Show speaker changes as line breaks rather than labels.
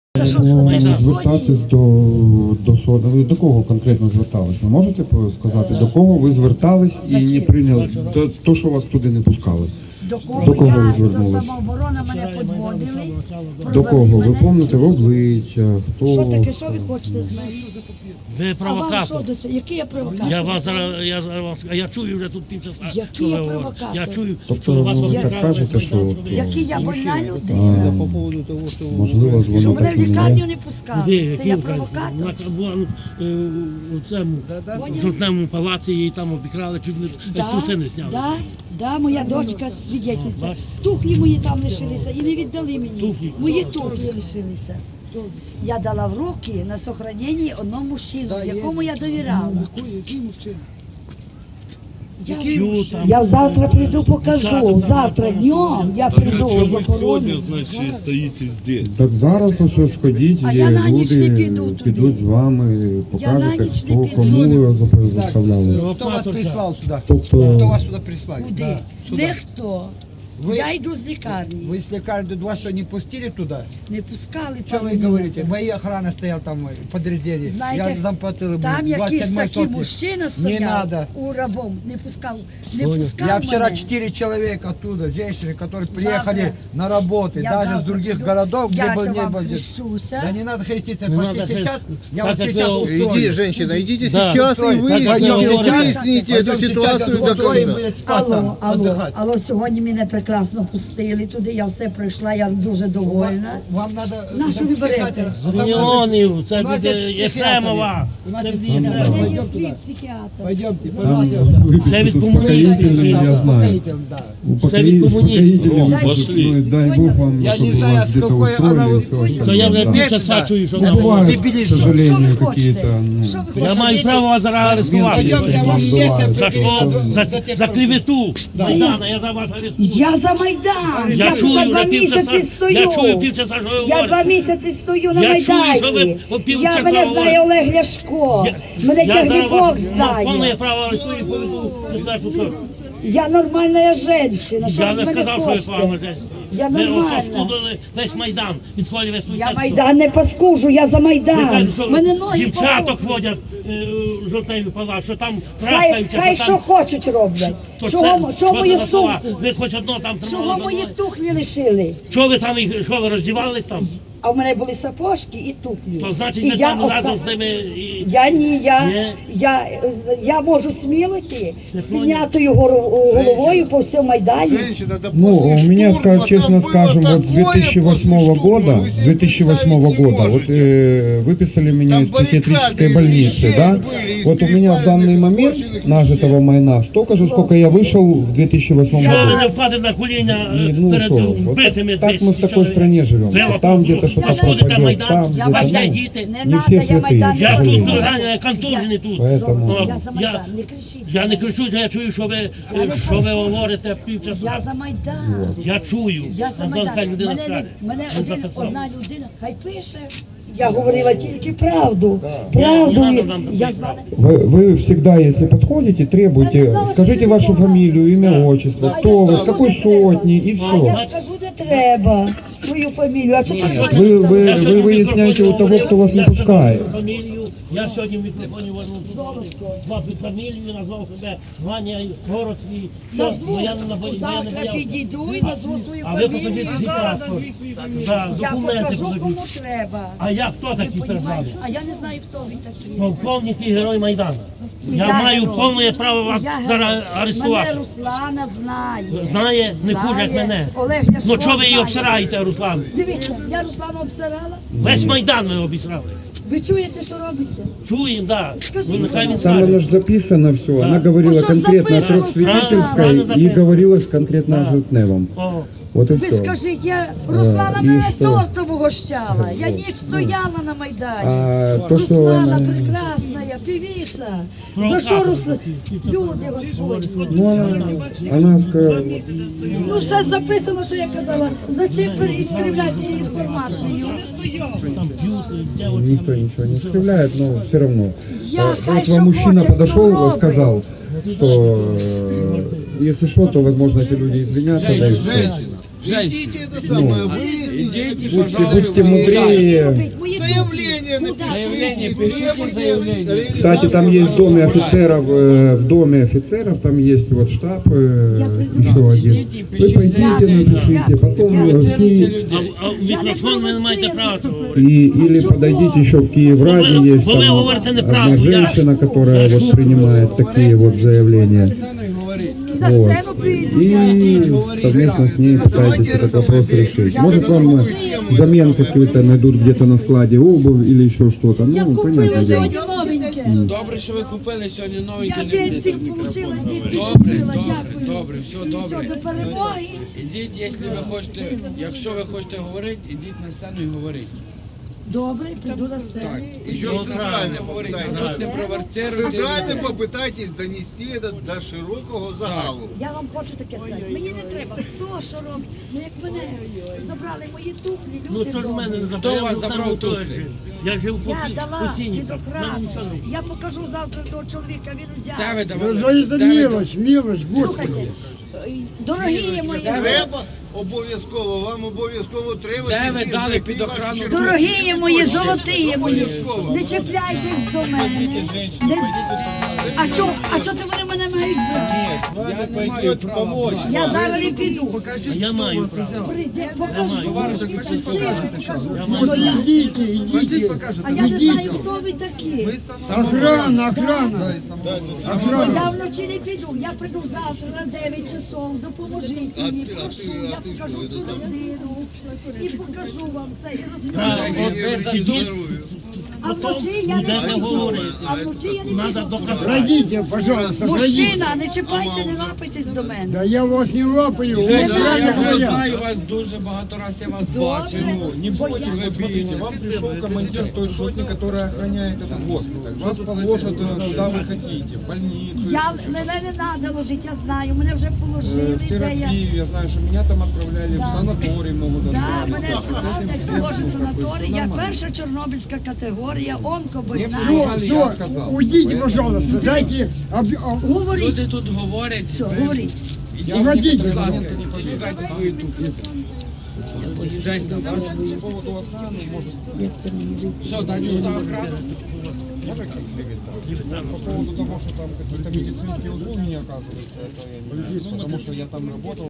Це що
звертатись до суду. Ви до кого конкретно звертались? Ви можете сказати, до кого ви звертались і не прийняли то, що вас туди не пускали?
До кого
ви
я, до
звернулись?
самооборони мене підводили.
До кого? Ви пам'ятаєте в обличчя? Хто?
Що таке, що ви хочете з мене?
Ви
А вам що
провокатор.
до цього? Який я провокатор?
Я чую вже тут півчаса.
Який я провокатор?
Я чую,
Тобто
що вас
ви
обікрали,
так кажете, що от,
Який я больна людина?
По поводу того, что...
можливо,
Що
воно
мене
так
в
і не
лікарню
є?
не пускали.
Де?
Це я провокатор?
Вона була у цьому жовтневому палаці, її там обікрали, чуть не труси не зняли.
Да, моя дочка свідетельця.
бачиш?
Тухлі мої там лишилися і не віддали мені.
Туфлі?
Мої туфлі лишилися. Я дала в руки на сохранення одному мужчину, якому я довіряла.
Який мужчина?
Я завтра прийду, покажу. Завтра днем я прийду в
Чого ви
охорону.
сьогодні, значить, стоїте здесь?
Так зараз ось сходіть,
А
і
я на ніч не
люди
піду туди.
підуть з вами,
на
покажете,
ніч не
хто,
піду.
кому ви заставляли.
Кто вас прислал сюда?
Тобто-
Кто вас сюда прислал?
Куди?
Сюда.
Ніхто.
Ви-
Я йду з лікарні.
Вы с лекарни вас что, не пустили туда?
Не пускали
Что
пару
вы
днів
говорите?
назад.
Моя охрана стояла там в подразделении.
Знаєте,
Я замплатил ему
Там якийсь
27
такий
сотни.
мужчина
Не
стояв
надо.
у рабом, не пускав
Я вчера
мене.
4 человека оттуда, женщины, которые
Завтра.
приехали на работу,
Я
даже с
завтра
других
піду.
городов, где
Я
был,
ще
не
вам
был.
хрещуся.
Да не надо хреститься,
Не
пошли
надо
сейчас, я
Так
вас
как
сейчас
вы-
устрою.
Иди, женщина, идите
Да.
сейчас и
Устрою.
выясните,
Так, как вы
выясните эту
Пойдем
ситуацию
сейчас
до
устрою,
конца.
блядь, спать там, отдыхать.
Алло, сьогодні мене прекрасно пустили туди, я все пройшла, я дуже довольна.
Вам надо...
На що ви берете?
З Мільйонів, це
У нас є
буде
психіатри.
Єфремова.
У нас
Це
є
буде
психіатри.
Єфремова.
У мене є
Пойдем
свій
туди.
психіатр.
Пойдемте,
Там
пожалуйста.
Це від
успокоїтельне, я знаю.
Успокоитель, да.
Це від комуністів.
Успокоїтельне,
Пошли.
дай Бог вам,
Я
щоб
не знаю,
вас
с
где-то
какой
устроили
она
и
вы-
всё
То я вже
остальное.
півчаса чую, що
Ну,
вона
бывает, к
Дебилизм.
сожалению,
Що ви хочете?
какие-то, ну,
Що ви
Я
хочете?
маю право вас зараз арестувати.
Пойдемте, я
Вам
вам
бывает.
естественно
За
прикрою
що? За клевету. Майдана, я за вас арестую.
Я за Майдан!
Я
тут
чую
два
вже
місяці
півчаса,
стою!
я чую півчаса, що ви
Я 2
говорите.
місяці стою на
Я чую, що
Майдані.
ви півчаса
Я мене знає
говорите.
Олег Ляшко. Мене
Я
тягне
зараз
Бог
вас повне
знає.
право арестую і поведу. Не знаю, що.
Я нормальна жінка. Що
Я
ви з
не
мене
сказав, що ви
хочете?
погано.
Я
Ви
нормальна.
розпустили весь Майдан. Від своєї весь
Я Майдан не паскужу, я за Майдан. Мене ноги
дівчаток
болять.
водять в жовтневі палац, що там
Хай,
трахаються.
хай
що
що
там...
хочуть роблять.
То
Чого
що
мої
за слова?
сумку?
Ви хоч одно там
Чого
тримали.
мої тухлі лишили?
Чого ви там, що ви роздівались там?
А в мене були сапожки і туфлі.
То значить
І
ви
я
там разом з ними і...
Я ні,
Ні?
я можу сміло йти
Не
з піднятою головою по всьому Майдані.
Женщина, да
Ну,
после
у меня,
штурма
честно
там было
скажем, вот с
такое
2008
после
года,
штурма, вы себе представить не
вот
можете.
выписали меня
Там
из психиатрической
баррикады из
больницы,
вещей
да?
были, из
Вот у меня в данный
перепаянных
момент
кожаных
нажитого
вещей.
майна столько же, сколько я вышел в 2008
Що ви
году.
не впадете на коліна
И, ну
перед
что, вот
вбитими?
так мы в такой стране живем.
Вело
Там где-то что-то
розходите
пропадет,
Майдан,
там
Я
у вас
где-то,
є
Майдан.
ну,
діти.
Не
Не
надо,
всі
я
святі.
Майдан не
Я тут
Розумію.
ганяю, контужений тут.
Поэтому...
Я за Майдан, не кричіть.
Я не кричу, я чую, що ви говорите півчаса.
Я за Майдан.
Я чую.
Я за
Антон, хай
Майдан.
людина
Мене,
скаже.
мене
Він
один,
записав.
одна людина, хай пише. Я говорила тільки правду.
Не
Правду.
надо нам
Я
писати.
знала.
Вы всегда, если подходите,
Я не
требуйте,
знала,
скажите
что
вашу
ты
фамилию, имя,
Да.
отчество,
А
кто
я
вы,
знала,
с какой
что это
сотни и
А я
все.
скажу, де треба. Свою фамілію. А чого
Вы выясняете у того, кто вас не пускает.
Фамілію. Я сьогодні в мікрофоні назвав фамілію, назвав себе Ваня, город свій.
Назву,
Я не боявся.
завтра підійду і назву свою
А ви
фамілію.
покажіть свій паспорт. Да,
Я
документи
покажу,
покажіть.
кому треба.
А я хто
Ви
такий перед вами?
понімаєте? А я не знаю, хто ви такі.
Полковник і герой Майдану.
І
Я маю
герой.
повне право вас
І я
зараз
герой.
арестувати.
Мене Руслана знає.
Знає, не хуже, як
Знає.
мене.
Олег Ляшко
Ну чого ви її
знає.
обсираєте, Руслан?
Дивіться, я Руслана обсирала.
Весь Майдан ви обісрали.
Ви чуєте, що робиться?
Чуємо, да.
Скажи,
Ну, нехай він
Там
скаже.
оно же записано все.
Да.
Она говорила
Ну, что ж
конкретно о
записано,
трехсвидетельской
да.
и говорилось конкретно
Да.
о Жовтневом.
О,
Вот и
Ви
все.
скажіть, я Руслана
і
мене
що?
тортом угощала. Я ніч стояла на Майдані.
А то, что
Руслана
она...
прекрасна, певица. За що Руслана? Люди Господні.
Ну, она сказала,
Ну, все записано, що я казала. Зачем іскривляти інформацію?
там б'ють, дівчата.
никто ничего не скрывляет, но все равно.
Я хай
Вот
що
вам мужчина
хоче,
подошел
хто
и
робить.
сказал, что если что, то возможно эти люди извинятся. Да, и всё.
Женщина, идите это самое, вы
Будьте мудрее.
Заявление
Заявление, пишите заявление.
Кстати, там есть в доме офицеров, там есть вот штаб еще один. Вы пойдите, напишите, потом в Киев,
А мікрофон ви не маєте права цього говорити.
или подойдите еще в Киевраде, есть
Вы
там
говорите неправду,
одна женщина, которая вот принимает такие вот заявления.
На
Вот.
сцену прийду.
И совместно с ней пытайтесь этот вопрос решить. Может вам взамен какие-то найдут где-то на складе обувь или еще что-то.
Я
Ну,
купила
понятное дело.
сьогодні новеньке.
Добре, що ви купили сьогодні
Я
новеньке.
пенсію отримала, дітки
Добре,
купила,
добре,
дякую.
добре, все
І
добре.
все, до перемоги.
Ідіть, якщо ви хочете говорити, ідіть на сцену і говоріть.
Добре, піду на сцену.
Еще
Ну,
центрально
говоріть,
попытайтесь.
тут не провоцируйте.
Центрально попытайтесь донести это до широкого загалу.
Я вам хочу таке сказати. Мені не треба, хто що робить. Ну як мене забрали мої туфлі, люди
Ну що ж в мене не
добрі.
забрав?
Хто вас
Я
забрав
там
туфлі?
теж. Я жив по
Я дала
сіні.
під охрану. Я покажу завтра того чоловіка, він взяв.
Де ви давали?
Слухайте, дорогі мої,
Треба обов'язково, вам обов'язково треба.
Де ви
тільки
дали
знайти
під
вашу
охрану?
червону.
дорогі мої, золоті мої,
Обов'язково.
не чіпляйтесь до мене. А що це вони мене мають брати?
Я не маю права.
Я зараз і піду.
А я маю право.
Прийде, покажу.
Я маю право.
А я не знаю, хто ви такі.
Охрана.
Я вночі не піду. Я прийду завтра на 9 часов. Допоможіть мені, прошу. Я покажу цю родину. І покажу вам все. І
Так,
розкажу.
от ви ідіть,
А вночі я не
будете
піду.
говорити.
А вночі я не
Надо
піду.
доказати.
Пройдите, пожалуйста, пройдите.
Мужчина, не чіпайте, не лапайтесь до мене.
Да я вас не лапаю, у
Не
вас
надо.
реально
Я вже
говорят.
знаю вас дуже багато раз, я вас бачив.
Добре.
Не бойтесь, вот смотрите, вам пришел командир той сотни, которая охраняет этот госпиталь. Вас положат куда вы хотите, в больницу.
Мене не треба ложити, я знаю. Мене вже положили.
В терапию, я знаю, что меня там отправляли в санаторий, могут
Да,
отправить.
мене відправлять теж санаторій. Я перша чорнобильська категорія, онкобольна.
Все, уйдите, пожалуйста, дайте
Говоріть,
Люди тут говорять.
все, говоріть.
уходите.
Будь ласка, і шукайте свої туфлі. Десь на вас.
По поводу охраны, может,
Що, далі сюди охрану?
по поводу того, что там какие-то медицинские услуги не оказываются, это я не знаю, потому что я там работал.